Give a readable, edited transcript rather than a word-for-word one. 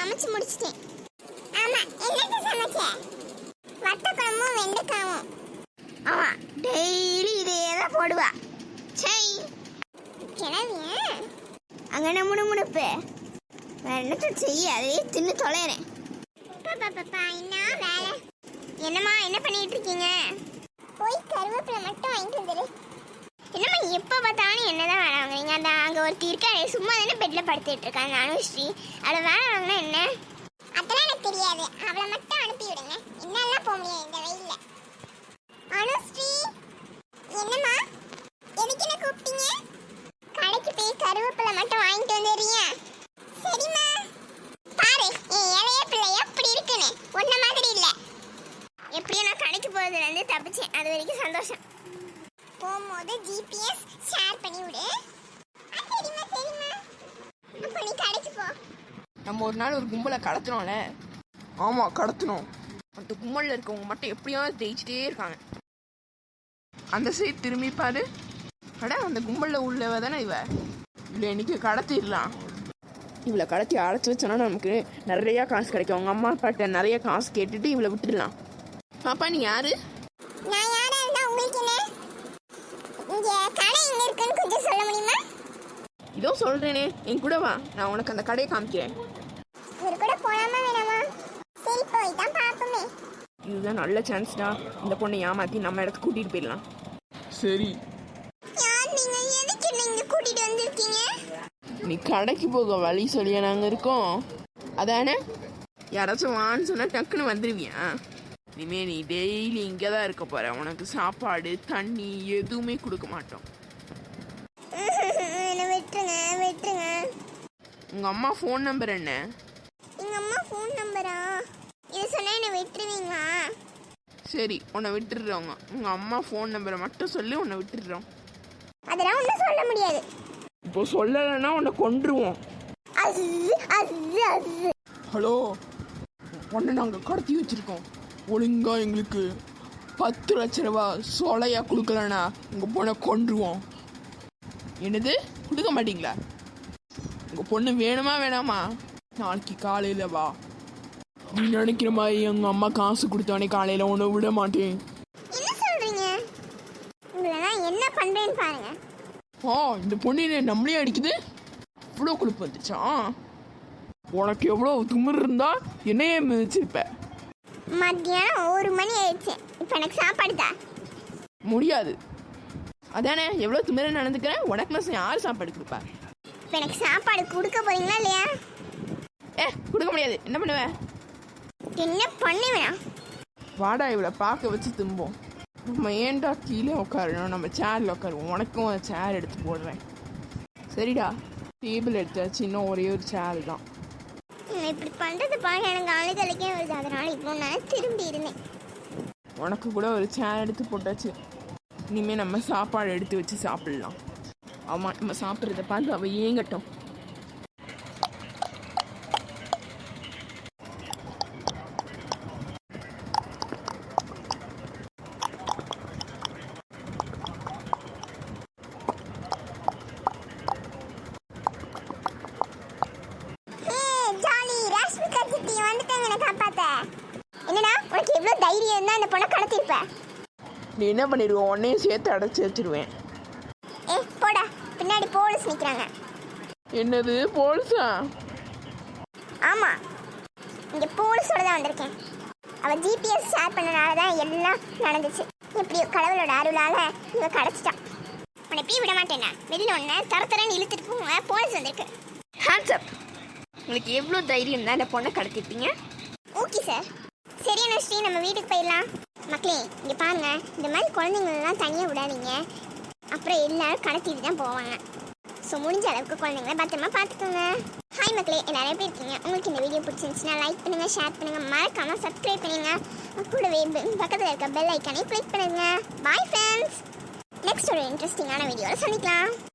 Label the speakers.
Speaker 1: சமைச்சு முடிச்சிட்டேன். ஆமா, என்னது சமைச்ச? வத்த குழம்பும் வெண்டைக்காவும். ஆமா, டெய்லி இதே தான் போடுவா. சை கிளவிய அங்கே முணுமுணுப்பு வேற என்னத்த செய்ய, அதையே தின்னு தொலைறேன். என்ன வேலை? என்னம்மா என்ன பண்ணிட்டு இருக்கீங்க? போய் கருவேப்பிலை மட்டும் வாங்கிட்டு வந்துரு. என்னம்மா எப்போ பார்த்தாலும் என்னதான் வேலை வாங்குறீங்க? அந்த அங்கே ஒருத்தி இருக்காரு, சும்மா தானே பெட்டில் படுத்துட்டு இருக்காங்க, அனுஸ்ரீ. அவளை வேலை வாங்கினா என்ன? அதெல்லாம் எனக்கு தெரியாது, அவளை மட்டும் அனுப்பி விடுங்க. என்னெல்லாம் போக முடியாது இந்த வெயில்ல. அனுஸ்ரீ என்னம்மா, எதுக்கு என்ன கூப்பிட்டீங்க? கடைக்கு போய் கருவேப்பிலை மட்டும் வாங்கிட்டு வந்துடுறீங்க? சரிம்மா. பாரு என் இளைய பிள்ளை எப்படி இருக்குன்னு, ஒன்ன மாதிரி இல்லை. எப்படியும் நான் கடைக்கு போகிறதுலேருந்து தப்பிச்சேன், அது வரைக்கும் சந்தோஷம். போகும்போது ஜிபிஎஸ் ஷேர் பண்ணி விடு. சரிம்மா சரிம்மா. அப்போ நீ கடைக்கு போ.
Speaker 2: நம்ம ஒரு நாள் ஒரு கும்பலை கடத்தினோம்ல. ஆமாம் கடத்தினோம். அந்த கும்பலில் இருக்கவங்க மட்டும் எப்படியாவது ஜெயிச்சிட்டே இருக்காங்க. அந்த சைடு திரும்பி பாரு. அட அந்த கும்பலில் உள்ளவ தானே இவ. இல்லை இன்னைக்கு கடத்திடலாம். இவளை கடத்தி அழைச்சி வச்சோன்னா நமக்கு நிறையா காசு கிடைக்கும். அவங்க அம்மா அப்பாட்ட நிறைய காசு கேட்டுட்டு இவளை விட்டுடலாம். பாப்பா நீ யாரு?
Speaker 1: நான் யாரா இருந்தா உங்களுக்கு என்ன? இங்க கடை எங்க இருக்குன்னு கொஞ்சம் சொல்ல முடியுமா?
Speaker 2: இதோ சொல்றேனே, என் கூட வா, நான் உனக்கு அந்த கடையை காமிக்கிறேன்.
Speaker 1: இவர் கூட போலாமா வேணாமா? சரி போய் தான் பாப்போமே.
Speaker 2: இதுதான் நல்ல சான்ஸ்டா, இந்த பொண்ணை ஏமாத்தி நம்ம இடத்துக்கு கூட்டிட்டு போயிடலாம். சரி.
Speaker 1: யார் நீங்க? எதுக்கு என்ன இங்க கூட்டிட்டு வந்திருக்கீங்க?
Speaker 2: நீ கடைக்கு போக வழி சொல்லியா நாங்க இருக்கோம், அதானே? யாராச்சும் வான்னு சொன்னா டக்குன்னு வந்துருவியா? இனிமே நீ டெய்லி இங்கே தான் இருக்க போற. உனக்கு சாப்பாடு தண்ணி எதுவுமே கொடுக்க மாட்டோம்.
Speaker 1: விட்டுருங்க விட்டுருங்க.
Speaker 2: உங்க அம்மா ஃபோன் நம்பர் என்ன?
Speaker 1: எங்க அம்மா ஃபோன் நம்பரா? இது சொன்னா என்ன விட்டுருவீங்களா?
Speaker 2: சரி உன்னை விட்டுடுறோங்க. உங்க அம்மா ஃபோன் நம்பரை மட்டும் சொல்லி உன்னை விட்டுடுறோம்.
Speaker 1: அதெல்லாம் ஒன்றும் சொல்ல முடியாது.
Speaker 2: இப்போ சொல்லலைன்னா உன்னை கொன்றுவோம். ஹலோ, உன்னை நாங்கள் கடத்தி வச்சிருக்கோம். ஒழுங்கா எங்களுக்கு 10 லட்ச ரூபா சொலையா கொடுக்கலன்னா உங்கள் பொண்ணை கொன்றுவோம். என்னது கொடுக்க மாட்டீங்களா? உங்கள் பொண்ணு வேணுமா வேணாமா? நாளைக்கு காலையில் வா. நீ நினைக்கிற மாதிரி எங்கள் அம்மா காசு கொடுத்தவனே காலையில் உன்னை விட மாட்டேன்.
Speaker 1: என்ன சொல்றீங்க? உங்களை என்ன பண்றேன்னு பாருங்க.
Speaker 2: இந்த பொண்ணு நம்மளே அடிக்குது. இவ்வளோ கொழுப்பு வந்துச்சா? உனக்கு எவ்வளோ துமிர் இருந்தா என்னையே மிதிச்சிருப்ப.
Speaker 1: மத்தியானம் 1 மணி ஆயிடுச்சு. இப்போ எனக்கு சாப்பாடு தான்
Speaker 2: முடியாது. அதானே எவ்வளோ திமிர நடந்துக்கிறேன். உனக்கு நான் யார் சாப்பாடு கொடுப்பா?
Speaker 1: இப்போ எனக்கு சாப்பாடு கொடுக்க போறீங்களா இல்லையா?
Speaker 2: கொடுக்க முடியாது. என்ன பண்ணுவேன்?
Speaker 1: என்ன பண்ணுவேன்?
Speaker 2: வாடா இவளை பார்க்க வச்சு தும்போம். நம்ம ஏன்டா கீழே உட்காரணும், நம்ம சேரில் உட்காருவோம். உனக்கும் சேர் எடுத்து போடுறேன். சரிடா, டேபிள் எடுத்தாச்சு, இன்னும் ஒரே ஒரு சேர் தான்.
Speaker 1: இப்படி பண்ணுறது பாருங்க, எனக்கு அழுகலைக்கே வருது. அதனால இப்போ நான் திரும்பி இருந்தேன்.
Speaker 2: உனக்கு கூட ஒரு சேர் எடுத்து போட்டாச்சு. இனிமேல் நம்ம சாப்பாடு எடுத்து வச்சு சாப்பிடலாம். ஆமாம், நம்ம சாப்பிட்றத பார்த்து அவள் ஏங்கட்டும்.
Speaker 1: தைரியம் இருந்தா அந்த பொண்ணை கடத்திருப்ப.
Speaker 2: நீ என்ன பண்ணிடுவோம்? உன்னையும் சேர்த்து அடைச்சி வச்சிருவேன்.
Speaker 1: போடா, பின்னாடி போலீஸ் நிற்கிறாங்க.
Speaker 2: என்னது போலீஸா?
Speaker 1: ஆமா, இங்க போலீஸோட தான் வந்திருக்கேன். அவ ஜிபிஎஸ் ஷேர் பண்ணனால தான் எல்லாம் நடந்துச்சு. எப்படியோ கடவுளோட அருளால இவ கிடைச்சிட்டான். உன்னை எப்பயும் விட மாட்டேன்னா வெளியில் ஒன்று தரத்தரன்னு இழுத்துட்டு போங்க. போலீஸ் வந்திருக்கு.
Speaker 2: Hands up. உங்களுக்கு எவ்வளோ தைரியம் தான் இந்த பொண்ணை கடத்திட்டீங்க?
Speaker 1: Okay sir. சரி அனுஸ்ரீ, நம்ம வீட்டுக்கு போயிடலாம். மக்களே இங்கே பாருங்க, இந்த மாதிரி குழந்தைங்களெலாம் தனியாக விடாதீங்க. அப்புறம் எல்லாரும் கடத்திட்டு தான் போவாங்க. ஸோ முடிஞ்ச அளவுக்கு குழந்தைங்கள பத்திரமா பார்த்துக்கோங்க. ஹாய் மக்களே, எல்லாரும் எப்படி இருக்கீங்க? உங்களுக்கு இந்த வீடியோ பிடிச்சிருந்துச்சுன்னா லைக் பண்ணுங்கள், ஷேர் பண்ணுங்கள், மறக்காமல் சப்ஸ்கிரைப் பண்ணுங்கள். கூடவே பக்கத்தில் இருக்க பெல் ஐக்கானே கிளிக் பண்ணுங்கள். Bye friends. நெக்ஸ்ட் ஒரு இன்ட்ரெஸ்டிங்கான வீடியோவில் சந்திக்கலாம்.